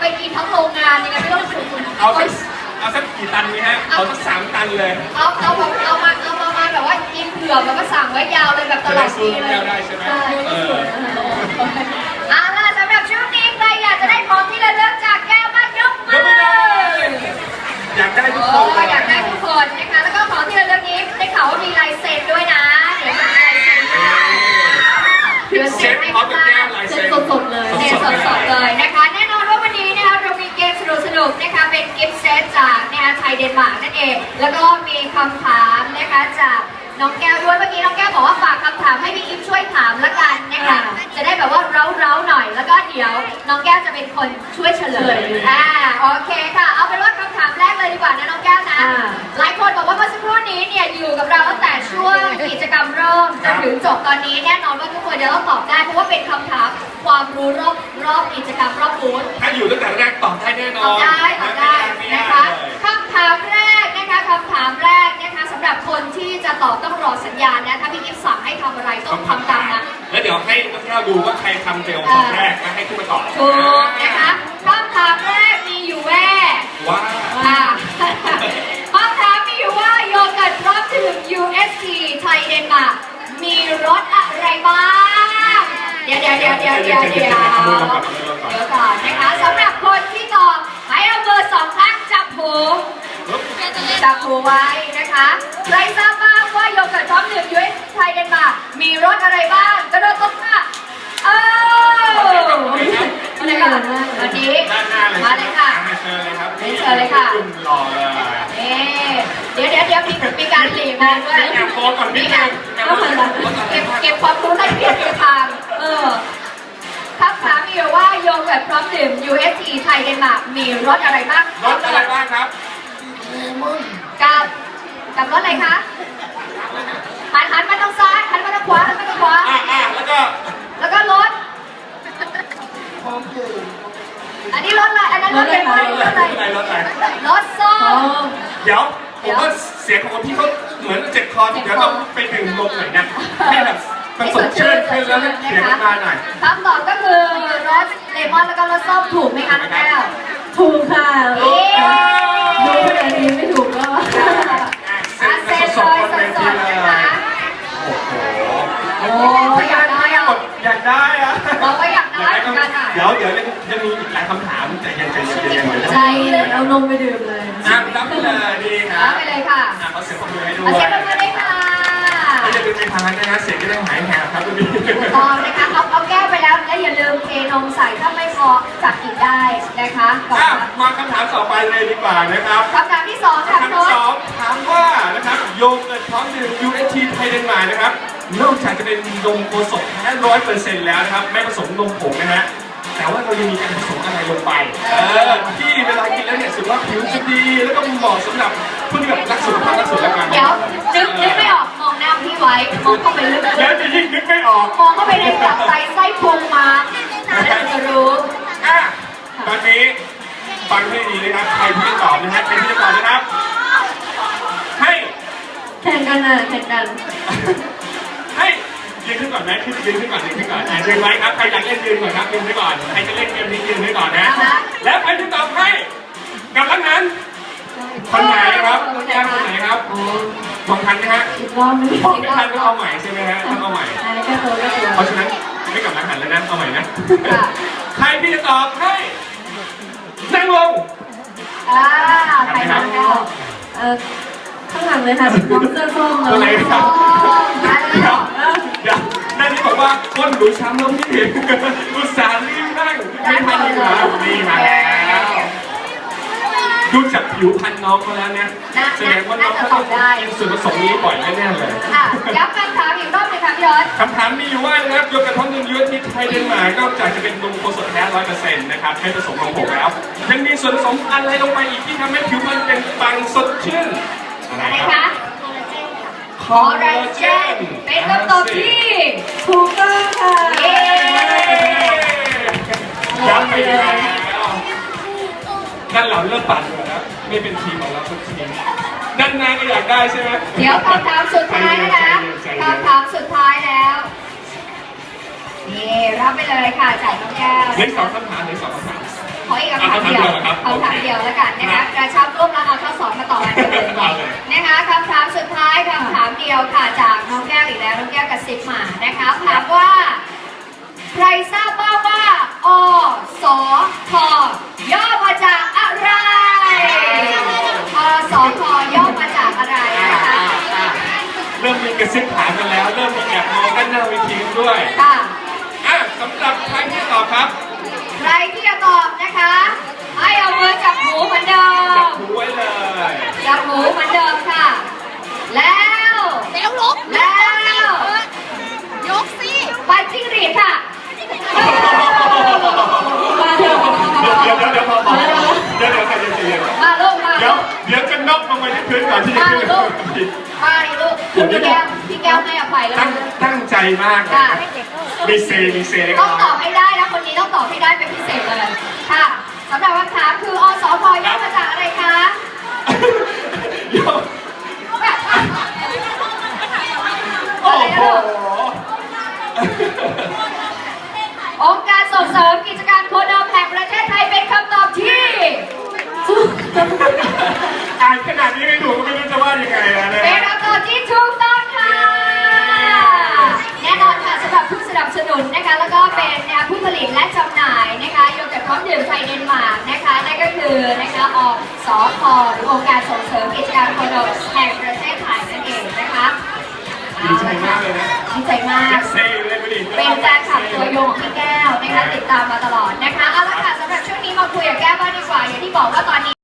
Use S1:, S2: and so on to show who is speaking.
S1: ไปกินทั้งโรงงานยังไงไม่ต้องถึงคุณ
S2: เอาสักกี่ตันไหมฮะเอาสัก3 ตันเลย
S1: เอามาแบบว่ากินเผื่อแล้วก็สั่งไว้ยาวเลยแบบตลอดปีเลย
S2: ได้ใช่ไหม
S1: ล่ะสำหรับช่วงนี้ใครอยากจะได้ของที่ระลึกจากแก้วบ้านยกมือ
S2: อยากได้ทุกคน
S1: อยากได้ทุกคนนะคะแล้วก็ของที่ระลึกนี้ได้ข่าวว่ามีลายเซ็นด้วยนะเดี๋ยวมีลายเซ็น
S2: เซ็นพร้อมกับแก้วลายเซ็น
S1: สดๆเลยสดๆเลยนะคะแน่นอนว่าวันนี้นะคะเรามีเกมสนุกๆนะคะเป็นกิฟต์เซตจากนะคะไทยเดนมาร์กนั่นเองแล้วก็มีคำถามนะคะจากน้องแก้วด้วยเมื่อกี้น้องแก้วบอกว่าฝากคำถามให้พี่อิฟช่วยถามละกันนะคะจะได้แบบว่าเร้าๆหน่อยแล้วก็เดี๋ยวน้องแก้วจะเป็นคนช่วยเฉลยโอเคค่ะเอาเป็นว่าคำถามแรกเลยดีกว่านะน้องแก้วนะหลายคนบอกว่าเมื่อสักครู่นี้เนี่ยอยู่กับเราตั้งแต่ช่วงกิจกรรมเริ่มจนถึงจบตอนนี้แน่นอนว่าทุกคนจะต้องตอบได้เพราะว่าเป็นคำถามความรู้รอบกิจกรรมรอบบูธ
S2: ถ้าอยู่ตั้งแต่แรกตอบได้แน่นอน
S1: ตอบได้นะคะคำถามแรกนะคะสำหรับคนที่จะตอบต้องรอสัญญาณนะถ้าพี่กิฟต์สั่งให้ทำอะไรต้องทำตามนะ
S2: แล้วเดี๋ยวให้นักข่าวดูว่าใครทำเร็วคนแรกแล้วให้ขึ้นมาตอบ
S1: ถูกนะคะคำถามแรกมีอยู่ว่าคำถามมีอยู่ว่าโยเกิร์ตพร้อมดื่ม UST ไทยเดนมาร์กมีรสอะไรบ้างเดี๋ยวก่อนนะคะสำหรับคนที่ตอบให้เอาเบอร์2ข้างจับหูไว้นะคะใครทราบบ้างว่าโยเกิร์ตพร้อมดื่ม UST ไทยเดนมาร์กมีรสอะไรบ้างกระโดดตบค่ะวันนี้มาเลยค่ะ
S2: เชิญเลยครับ
S1: เชิญเลยค่ะ
S2: หล่อเลย
S1: เดี๋ยวมีการหลีกมาด้วย
S2: แอบโพสก่อนนิดนึง
S1: เก็บความรู้ให้เพียงทางคำถามมีว่าโยเกิร์ตพร้อมดื่ม UST ไทยเดนมาร์กมีรสอะไรบ้าง
S2: รสอะไรบ้างครับ
S1: กับรสอะไรคะหันมาทางซ้ายหันมาทางขวาแล้วก็รสอันนี้รสอะไรอันนั้นรสอะไรรสส้ม
S2: เดี๋ยวผมว่าเสียงของคนที่เขาเหมือนเจ็บคอเดี๋ยวต้องไปดื่มนมหน่อยนะให้แบบมันสดชื่นขึ้นแล้วเสียงมาหน่อย
S1: คำตอบก็คือรสเลมอนแล้วก็รสส้มถูกไหมคะน้องแก้ว
S3: ถูกค่ะดูขนาดนี้ไม่ถูกก็
S1: เซ็นสดนะคะโอ้อยากได้อะเราก็อยากได้เหมือนกันค่ะ
S2: เดี๋ยวจะมีอีกหลายคำถามแต่ยัง
S3: ใจเอานมไปดื่มเลย
S2: รับไปเลยดีครับ
S1: รับไปเลยค่ะ
S2: ขอเสียงปรบมือให้ด้วย
S1: เสียงปรบมือด้วยค่ะ
S2: ไม่จะเป็นทางนะฮะเสียงก็ต้องหายแหบครับคุณพี่
S1: ตอนนะคะเอาแก้วไปแล้วและอย่าลืมเทนมใส่ถ้าไม่พอจับอีกได้นะคะ
S2: มาคำถามต่อไปเลยดีกว่านะครับ
S1: คำถามที่2ค่ะ
S2: คำถามที่2ถามว่านะครับโยเกิร์ตพร้อมดื่ม UST ไทยเดนมาร์กนะครับนอกจากจะเป็นนมโคสกแท้100%แล้วนะครับไม่ผสมนมผงนะฮะแต่ว่าเรายังมีการผสมอะไรลงไปที่เวลากินแล้วเนี่ยสุขภาพผิวจะดีแล้วก็เหมาะสำหรับผู้ที่แบบรักสุขภาพรักสุขภาพ
S1: เดี๋ยวนึกไม่ออกมองหน้าพี่ไว้มองเข้าไปลึกๆ
S2: แล้วจะยิ่งนึกไม่ออก
S1: มองเข้าไปในแบบไส้พุงมาแล้วจะรู้
S2: ตอนนี้ฟังให้ดีนะครับใครที่จะตอบนะครับใครที่จะตอบนะครับให้
S3: แข่งกัน
S2: ให้ยืนขึ้นก่อนไหมยืนขึ้นก่อนยืนไว้ครับใครอยากเล่นยืนก่อนครับยืนไว้ก่อนใครจะเล่นเกมนี้ยืนไว้ก่อนนะแล้วใครที่ตอบให้กับทั้งนั้นคนไหนครับแก้มคนไหนครับมองทันไหมฮะไม่ทันก็เอาใหม่ใช่ไหมฮะต้องเอาใหม่เพราะฉะนั้นไม่กลับมาหันแล้วนะเอาใหม่นะใครที่จะตอบให้นั่งลง
S1: ใครนั่งแล้ว
S3: ข้างหลังเลยค่ะน้องเสื้อส้ม
S2: ตัวไหนครับเดี๋ยวนั่นนี่บอกว่าก้นหนูช้ำแล้วพี่อุตส่าห์รีบนั่งไม่ทันดีกว่านี่มาแล้วดูจากผิวพรรณน้องเขาแล้วเนี่ยแสดงว่าน้องเขาต้องกินส่วนผสมนี้บ่อยแน่ๆเลย
S1: ย้ำคำถามอีกรอบเลยค่ะพี่ยศ
S2: คำถามมีอยู่ว่านะครับโยเกิร์ตพร้อมดื่ม UST ไทยเดนมาร์กนอกจากจะเป็นนมโคสกแท้ 100% นะครับไม่ผสมนมผงแล้วยังมีส่วนผสมอะไรลงไปอีกที่ทำให้ผิวพรรณเป็นปังสดชื่น
S1: อะไรคะคอลลาเจนเป็นคำตอบที่ถูกต้องค่ะ
S2: ย้ำไปแล้วด้านหลังเริ่มปั่นเลยนะไม่เป็นทีมของเราสักทีด้านหน้าก็อยากได้ใช่ไหม
S1: เดี๋ยวคำถามสุดท้ายนะคะคำถามสุดท้ายแล้วนี่รับไปเลยค่ะจากน้องแก้ว
S2: เหลือ2 คำถาม
S1: ขออีกคำถามเดียวคำถามเดียวแล้วกันนะคะกระชับร่วมแล้วเอาข้อสอบมาต่อกันเลยนะคะคำถามสุดท้ายคำถามเดียวค่ะจากน้องแก้วอีกแล้วน้องแก้วกระซิบมานะคะถามว่าใครทราบบ้างว่าอสทย่อมาจากอะไรอสทย่อมาจากอะไรนะคะ
S2: เริ่มมีกระซิบถามกันแล้ว เริ่มมีแอบมองกันหน้าเวทีกันด้วย
S1: ค่ะ
S2: สำหรับใครที่ตอบครับ
S1: ใครที่จะตอบนะคะให้เอามือจับหูเหมือนเดิ
S2: จับ
S1: ม
S2: หูไว้เลย
S1: จับหูเหมือนเดิมค่ะ แล้ว
S4: แล้วลุก
S1: แล้ว
S4: ยกสิ
S1: ไปจิ้งหรีดค่ะ
S3: มาเถอะ
S2: เดี๋ยวพอเดี๋ยวใครจะเสีย
S1: มาลูกมา
S2: เดี๋ยวจะน็อกลงไปที่พื้นก่อนที่จะ
S1: มา
S2: ขึ้น
S1: ลูกมาดิลูกพี่แก้วให้อภัยแล้ว
S2: ตั้งใจมากเลย
S1: ค่ะ
S2: มีเซเล็ก
S1: ต้อง
S2: น้
S1: ต
S2: อ
S1: อย บให้ได้นะคนนี้ต้องตอบให้ได้เป็นพิเศษเลยค่ะสำหรับคำถามคืออสพย่อมาจากอะไรคะ
S2: โยโอ้โห
S1: องค์การส่งเสริมกิจการโคดอมแห่งประเทศไทยเป็นคำตอบที่
S2: อ่านขนาดนี้ไม่ถูกก็ไม่รู้จะว่ายังไงแล้วนะ
S1: เป็นคำตอบที่ถูกต้องค่ะ แน่นอนค่ะสำหรับผู้สนับสนุนนะคะแล้วก็เป็นผู้ผลิตและจำหน่ายนะคะโยเกิร์ตพร้อมดื่มไทยเดนมาร์กนะคะนั่นก็คือนะคะอสพหรือองค์การส่งเสริมกิจการโคดอมแห่งประเทศไทยนั่นเองนะคะ
S2: ดีใจมากเลยนะ
S1: ดีใจมาก
S2: เซเลยไม่ดี
S1: เป็นแฟนคลับตัวยงของพี่แก้วนะคะติดตามมาตลอดนะคะเอาละค่ะสำหรับช่วงนี้มาคุยกับแก้วบ้างดีกว่าอย่างที่บอกว่าตอนนี้